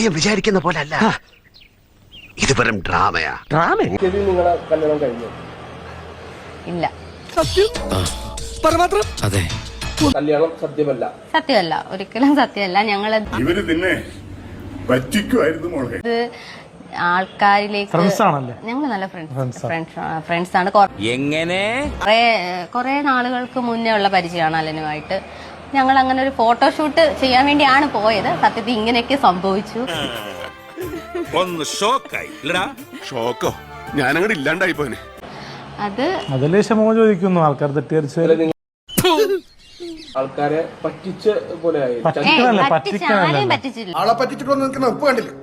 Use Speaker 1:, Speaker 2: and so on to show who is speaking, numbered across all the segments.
Speaker 1: വിചാരിക്കുന്ന പോലെ അല്ല, ഇത് വെറും ഡ്രാമയാ.
Speaker 2: നിങ്ങളെ കല്യാണം കഴിഞ്ഞു?
Speaker 3: ഇല്ല,
Speaker 4: അതെ,
Speaker 2: കല്യാണം സത്യമല്ല.
Speaker 3: സത്യമല്ല, ഒരിക്കലും സത്യമല്ല. ഞങ്ങള്
Speaker 5: ഇവര് നിന്നെ പറ്റിക്കുമായിരുന്നു മോളെ.
Speaker 3: ഇത് ആൾക്കാരിലേക്ക് ഞങ്ങൾ നല്ല ഫ്രണ്ട്സ് ആണ്.
Speaker 4: എങ്ങനെ
Speaker 3: കുറെ നാളുകൾക്ക് മുന്നേ ഉള്ള പരിചയമാണ് അലനുമായിട്ട്. ഞങ്ങൾ അങ്ങനെ ഒരു ഫോട്ടോഷൂട്ട് ചെയ്യാൻ വേണ്ടിയാണ് പോയത്. സത്യത്തിൽ ഇങ്ങനെയൊക്കെ സംഭവിച്ചു.
Speaker 5: ഒന്ന് ഷോക്കായി.
Speaker 1: ഷോക്കോ? ഞാനങ്ങോട്ട് ഇല്ലാണ്ടായി പോനെ.
Speaker 3: അത്
Speaker 6: അതിലെ ക്ഷമ ചോദിക്കുന്നു ആൾക്കാർ തെറ്റിദ്ധരിച്ച്
Speaker 2: ആൾക്കാരെ പറ്റിച്ച പോലെ ആയി.
Speaker 3: ആരെയും പറ്റിച്ചില്ല.
Speaker 1: ആളെ പറ്റിച്ചിട്ടൊന്നും നിൽക്കുന്ന ഉപ്പ് കണ്ടില്ല.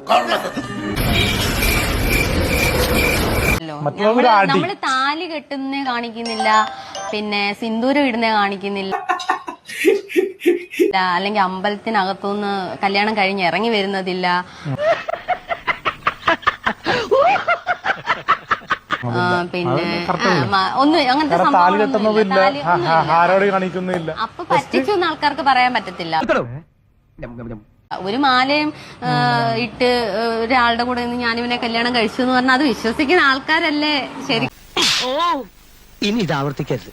Speaker 3: നമ്മള് താലി കെട്ടുന്നേ കാണിക്കുന്നില്ല, പിന്നെ സിന്ദൂരം ഇടുന്നേ കാണിക്കുന്നില്ല, അല്ലെങ്കിൽ അമ്പലത്തിനകത്തുനിന്ന് കല്യാണം കഴിഞ്ഞ് ഇറങ്ങി വരുന്നതില്ല. പിന്നെ ഒന്നും അങ്ങനത്തെ സംഭവം അപ്പൊ പറ്റിച്ചൊന്നും ആൾക്കാർക്ക് പറയാൻ പറ്റത്തില്ല. ഒരു മാലയും ഇട്ട് ഒരാളുടെ കൂടെ നിന്ന് ഞാനിവനെ കല്യാണം കഴിച്ചു എന്ന് പറഞ്ഞാൽ അത് വിശ്വസിക്കുന്ന ആൾക്കാരല്ലേ ശരി.
Speaker 7: ഇനി ഇത് ആവർത്തിക്കരുത്.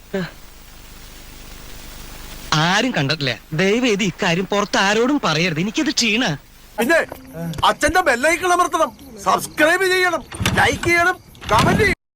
Speaker 7: ആരും കണ്ടിട്ടില്ല. ദയവേത് ഇക്കാര്യം പുറത്ത് ആരോടും പറയരുത്. എനിക്കത് ക്ഷീണ.
Speaker 1: പിന്നെ അച്ഛന്റെ ബെല്ലൈക്കൺ അമർത്തണം, സബ്സ്ക്രൈബ് ചെയ്യണം, ലൈക്ക് ചെയ്യണം, കമന്റ് ചെയ്യണം.